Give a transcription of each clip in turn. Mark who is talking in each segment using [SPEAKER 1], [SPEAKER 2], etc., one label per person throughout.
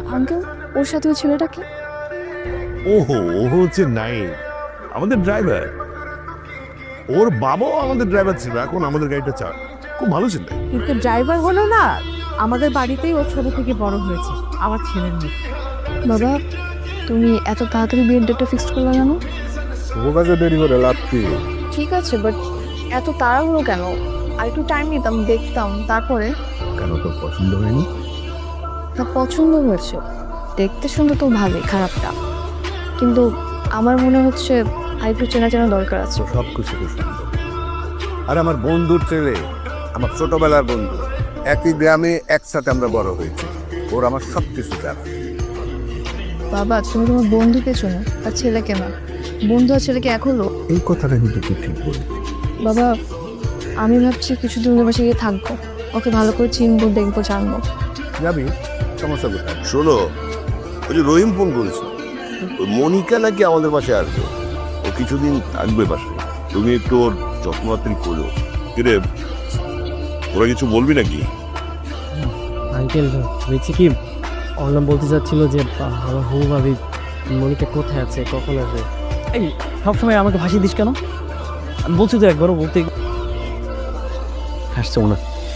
[SPEAKER 1] Uncle, ওর সাথে ওই ছেলেটা কি?
[SPEAKER 2] ওহো, ও হচ্ছে নাইম, আমাদের ড্রাইভার। ওর বাবাও আমাদের ড্রাইভার ছিল, এখন আমাদের গাড়িটা চার। খুব ভালো ছিল।
[SPEAKER 3] কিন্তু ড্রাইভার হলো না, আমাদের বাড়িতেই ও ছোট থেকে বড় হয়েছে, আমার ছেলের মেয়ে।
[SPEAKER 1] বাবা, তুমি এত তাড়াতাড়ি বিয়ের ডেটটা ফিক্সড করলে কেন?
[SPEAKER 4] ও কাছে দেরি করে লাভ কি?
[SPEAKER 1] ঠিক আছে, বাট এত তাড়াহুড়ো কেন? আর একটু টাইম নিতাম, দেখতাম, তারপরে।
[SPEAKER 2] কেন, তোর পছন্দ হয়নি?
[SPEAKER 1] তা পছন্দ হয়েছে, দেখতে শুনতে তো ভালোই, খারাপটা। কিন্তু আমার মনে হচ্ছে আর একটু চেনা চেনা দরকার আছে।
[SPEAKER 4] সব কিছু খুব সুন্দর। আর আমার বন্ধুর ছেলে, আমার ছোটবেলার বন্ধু, একই গ্রামে একসাথে আমরা বড় হয়েছি। ওর আমার সব কিছু জানা।
[SPEAKER 1] বাবা, তুমি তোমার বন্ধুকে চেনো, তার ছেলেকে না। বন্ধু আর ছেলেকে এক হলো?
[SPEAKER 4] এই কথাটা কিন্তু তুই ঠিক বলেছিস।
[SPEAKER 1] বাবা, আমি ভাবছি কিছুদিন ওদের বাসায় গিয়ে থাকবো, ওকে ভালো করে চিনবো, দেখবো, জানবো।
[SPEAKER 4] যাবি, সমস্যা কোথায়?
[SPEAKER 2] শোনো, ওই যে রহিম ফোন করেছে, ওই মনিকা নাকি আমাদের বাসায় আসবে। ও কিছুদিন থাকবে বাসায়। তুমি একটু ওর যত্নআত্রি করো। কিরে, ওরা কিছু বলবি নাকি?
[SPEAKER 5] আঙ্কেল হয়েছে কি, অর্ণব বলতে চাচ্ছিল যে আমার হবু ভাবি মনিকা কোথায় আছে, কখন আসবে। এই সবসময় আমাকে ভাসিয়ে দিস কেন? আমি বলছি তো একবারও বলতে হাসছে না।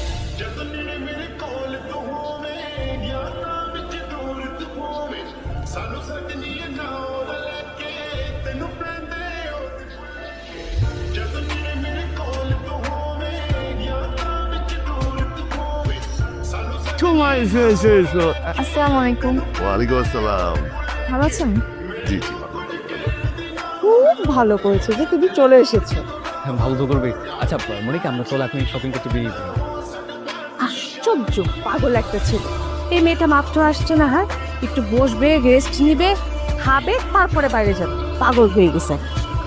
[SPEAKER 2] সময় এসে এসে এসো।
[SPEAKER 1] আসসালামু আলাইকুম।
[SPEAKER 2] ওয়ালাইকুম আসসালাম।
[SPEAKER 1] ভালো আছেন?
[SPEAKER 2] জি জি, ভালো।
[SPEAKER 3] খুব ভালো করেছে যে তুমি চলে এসেছো।
[SPEAKER 5] হ্যাঁ, ভালো তো করবে। আচ্ছা মনিকা, আমরা চলে এখন শপিং করতে বেরিয়ে পড়ি।
[SPEAKER 3] আশ্চর্য পাগল একটা ছেলে। এই মেয়েটা মাত্র আসছে না, হ্যাঁ একটু বসবে, রেস্ট নিবে, খাবে, তারপরে বাইরে যাবে। পাগল হয়ে গেছে।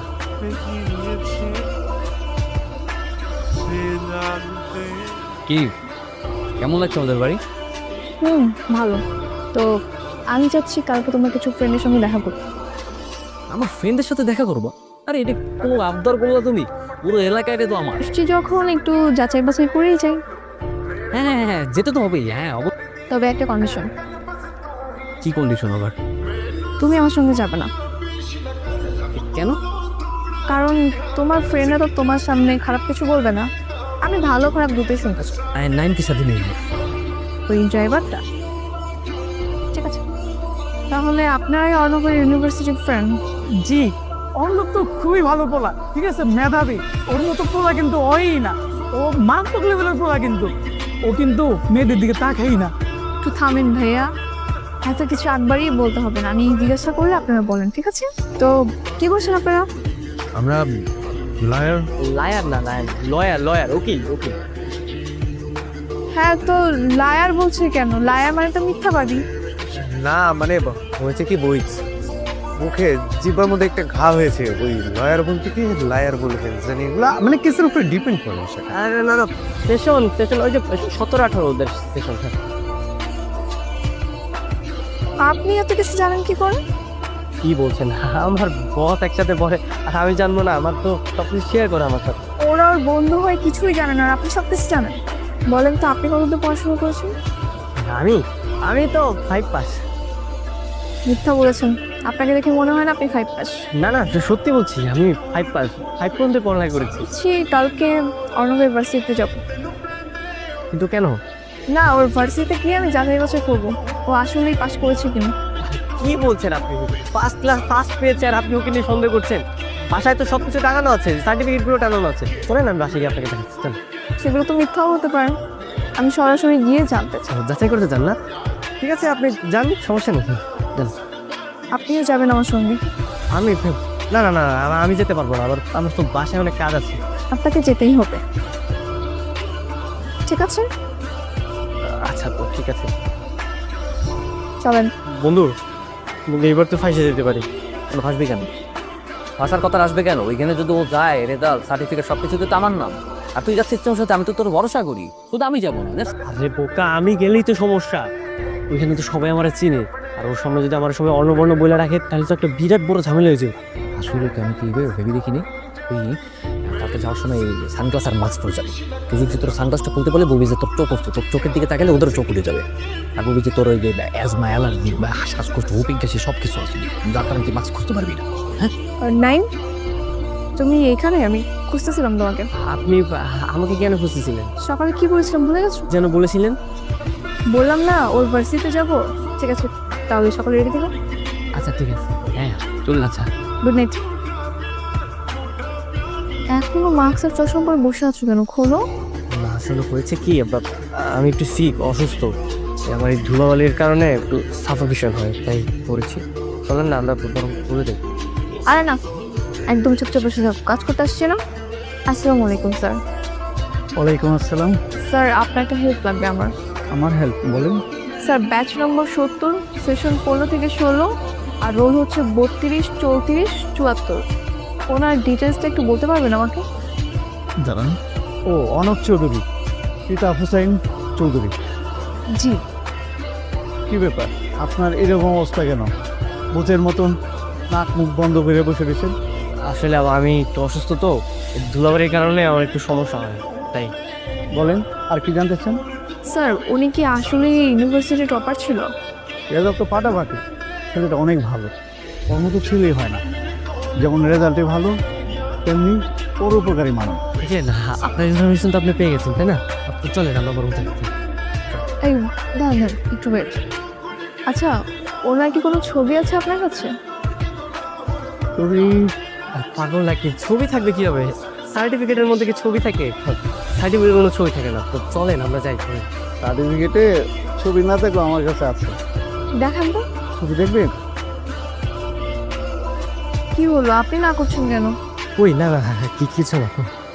[SPEAKER 5] কি কেমন লাগছে আমাদের বাড়ি?
[SPEAKER 1] ভালো। তো আমি চাচ্ছি কালকে তোমার কিছু ফ্রেন্ডের সঙ্গে দেখা করতে।
[SPEAKER 5] আমার ফ্রেন্ডের সাথে দেখা করবো? আরে এটা কোনো আবদার করলো তুমি? পুরো এলাকায় তো আমার।
[SPEAKER 1] আসছি যখন, একটু যাচাই বাছাই করেই যাই।
[SPEAKER 5] হ্যাঁ হ্যাঁ হ্যাঁ, যেতে তো হবেই। হ্যাঁ
[SPEAKER 1] তবে একটা কন্ডিশন,
[SPEAKER 5] কি কন্ডিশন আবার?
[SPEAKER 1] তুমি আমার সঙ্গে যাবে না।
[SPEAKER 5] কেন?
[SPEAKER 1] কারণ তোমার ফ্রেন্ডরা তো তোমার সামনে খারাপ কিছু বলবে না। আমি ভালো খারাপ দুটোই শুনতে চাই।
[SPEAKER 5] নাইনকে সাথে নেই।
[SPEAKER 1] ওই ড্রাইভারটা ঠিক আছে, তাহলে আপনারাই অর্ণবের ইউনিভার্সিটির ফ্রেন্ড?
[SPEAKER 3] জি, অর্ণব তো খুবই ভালো পোলা, ঠিক আছে, মেধাবী। ওর মতো পোলা কিন্তু ওই না, ও মারাত্মক লেভেলের পোলা। কিন্তু ও কিন্তু মেয়েদের দিকে তাকাই না।
[SPEAKER 1] একটু থামেন ভাইয়া, এত কিছু একবারই বলতে হবে না। আমি জিজ্ঞাসা করলে আপনারা বলেন, ঠিক আছে? তো কি করছেন আপনারা?
[SPEAKER 4] আমরা লায়ার।
[SPEAKER 5] লায়ার না, লায়ার, লয়ার, উকিল উকিল।
[SPEAKER 1] হ্যাঁ, তো লায়ার বলছে কেন? লায়ার মানে তো মিথ্যাবাদী।
[SPEAKER 4] না মানে হয়েছে কি, বই মুখে জিব্বার মধ্যে একটা ঘা হয়েছে, ওই লয়ার বলতে কি লায়ার বলে ফেলছেন। এগুলা মানে কেসের উপরে ডিপেন্ড করে সেটা।
[SPEAKER 5] আরে না না, সেশন সেশন ওই যে 17-18 ওদের সেশন।
[SPEAKER 1] আপনি এত কিছু জানেন কি করে?
[SPEAKER 5] কি বলছেন? আমার বস একসাথে পড়ে আর আমি জানবো না? আমার তো সব কিছু শেয়ার করে আমার সাথে।
[SPEAKER 1] ওরা ওর বন্ধু হয়ে কিছুই জানে না, আর আপনি সব কিছু জানেন। বলেন তো, আপনি কতদূর পড়াশোনা করেছেন?
[SPEAKER 5] আমি আমি তো 5 পাস।
[SPEAKER 1] মিথ্যা বলেছেন, আপনাকে দেখে মনে হয় না আপনি 5 পাস।
[SPEAKER 5] না না, সত্যি বলছি, আমি 5 পাস, 5 পর্যন্ত পড়ালেখা করেছি।
[SPEAKER 1] কালকে অর্ণবের ভার্সিটিতে যাব।
[SPEAKER 5] কিন্তু কেন?
[SPEAKER 1] না, ওর ভার্সিটিতে গিয়ে আমি যাচাই বাছাই করবো ও আসলেই পাস করেছে কিনা।
[SPEAKER 5] কি বলছেন আপনি? ফার্স্ট ক্লাস ফার্স্ট পেয়েছে আর আপনি ওকে নিয়ে সন্দেহ করছেন? বাসায় তো সব কিছু টাঙানো আছে, সার্টিফিকেটগুলো টাঙানো আছে। শোনেন, আমি বাসায় গিয়ে আপনাকে দেখাচ্ছি। চল।
[SPEAKER 1] সেগুলো তো মিথ্যাও হতে পারে, আমি সরাসরি গিয়ে জানতে চাই।
[SPEAKER 5] যাচাই করতে চান না? ঠিক আছে, আপনি যান, সমস্যা নেই। যান।
[SPEAKER 1] আপনিও যাবেন আমার সঙ্গে?
[SPEAKER 5] আমি না না না, আমি যেতে পারবো না। আমার তো বাসায় অনেক কাজ আছে।
[SPEAKER 1] আপনাকে যেতেই হবে, ঠিক আছে?
[SPEAKER 5] আচ্ছা তো ঠিক আছে।
[SPEAKER 1] চলেন।
[SPEAKER 5] বন্ধু, এবার তো ফাঁসে যেতে পারি।
[SPEAKER 6] ফাঁসবি কেন? ফাঁসার কথা আসবে কেন? ওইখানে যদি ও যায়, রেজাল্ট সার্টিফিকেট সব কিছুতে তো আমার নাম। আর তুই যাচ্ছিস তোর সাথে, আমি তো তোর ভরসা করি। শুধু আমি যাবো না।
[SPEAKER 5] আরে বোকা, আমি গেলেই তো সমস্যা। ওইখানে তো সবাই আমার চিনে, আর ওর সামনে যদি আমার সবাই অন্নবর্ণ বলে রাখে, তাহলে তো একটা বিরাট বড় ঝামেলা হয়েছে।
[SPEAKER 6] আসলে আমি কি ভেবে দেখিনি। তুই কালকে কালকে যাওয়ার সময় সানগ্লাস আর মাস্ক পরে যাবে। তুই যদি তোর সানগ্লাসটা খুলতে বলে বলবি যে তোর চোখ হচ্ছে, তোর চোখের দিকে তাকালে ওদের চোখ উঠে যাবে। আর বলবি যে তোর ওই যে অ্যাজমা, অ্যালার্জি বা শ্বাসকষ্ট, হুপিং কাশি সব কিছু আছে, যার কারণে তুই মাস্ক খুঁজতে পারবি না। হ্যাঁ,
[SPEAKER 1] নাইম, তুমি এখানে? আমি খুঁজতেছিলাম তোমাকে।
[SPEAKER 5] আপনি আমাকে কেন খুঁজতেছিলেন?
[SPEAKER 1] সকালে কি বলেছিলাম ভুলে গেছো?
[SPEAKER 5] যেন বলেছিলেন।
[SPEAKER 1] বললাম না ওর ভার্সিটিতে যাবো। ঠিক আছে, তাহলে সকালে রেডি থেকো।
[SPEAKER 5] আচ্ছা ঠিক আছে, হ্যাঁ চল। আচ্ছা
[SPEAKER 1] গুড নাইট। এখনো মাস্ক আর চশমা পরে বসে আছো কেন? খোলো।
[SPEAKER 5] না, আসলে হয়েছে কি, আমি একটু অসুস্থ। আমার এই ধুলাবালির কারণে একটু সাফোকেশন হয়, তাই পড়েছি। চলেন না আমরা বরং বলে দেব।
[SPEAKER 1] আরে না, একদম চুপচাপ বসে থাকো। কাজ করতে আসছে না? আসসালামু আলাইকুম স্যার।
[SPEAKER 3] ওয়ালাইকুম আসসালাম।
[SPEAKER 1] স্যার আপনার একটা হেল্প লাগবে আমার।
[SPEAKER 3] আমার হেল্প বলেন।
[SPEAKER 1] স্যার ব্যাচ নম্বর 70, সেশন 15 থেকে 16, আর রোল হচ্ছে 32, 34, 74। ওনার ডিটেলসটা একটু বলতে পারবেন আমাকে?
[SPEAKER 3] জানান। ও, অনক চৌধুরী, পিতা হুসাইন চৌধুরী।
[SPEAKER 1] জি।
[SPEAKER 3] কি ব্যাপার আপনার এরকম অবস্থা কেন? ভূতের মতন নাক মুখ বন্ধ করে বসে রয়েছেন।
[SPEAKER 5] আসলে আমি একটু অসুস্থ, তো ধুলাবালির কারণে আমার একটু সমস্যা হয়, তাই।
[SPEAKER 3] বলেন, আর কি জানতে চান?
[SPEAKER 1] স্যার উনি কি আসলে ইউনিভার্সিটি টপার ছিল?
[SPEAKER 3] রেজাল্ট তো ফাটাফাটি, ছেলেটা অনেক ভালো, ওর মতো ছেলেই হয় না। যেমন রেজাল্টে ভালো, তেমনি পরোপকারী মানুষ।
[SPEAKER 5] এই যে না, আপনার ইনফরমেশন তো আপনি পেয়ে গেছেন, তাই না? আপনি চলেন আমরা বরং থাকি।
[SPEAKER 1] এই দাঁড়ান, একটু ওয়েট। আচ্ছা, ওনার কি কোনো ছবি আছে আপনার কাছে?
[SPEAKER 3] তুমি
[SPEAKER 5] পাগল নাকি? ছবি থাকবে কি হবে? সার্টিফিকেটের মধ্যে কি ছবি থাকে? সার্টিফিকেটের কোনো ছবি থাকে না। তো চলেন আমরা যাই।
[SPEAKER 3] সার্টিফিকেটে ছবি না থাকলেও আমার কাছে আছে।
[SPEAKER 1] দেখান তো।
[SPEAKER 3] ছবি দেখবেন?
[SPEAKER 1] কি হলো, আপনি না করছেন কেন?
[SPEAKER 5] কই না, কিছু না।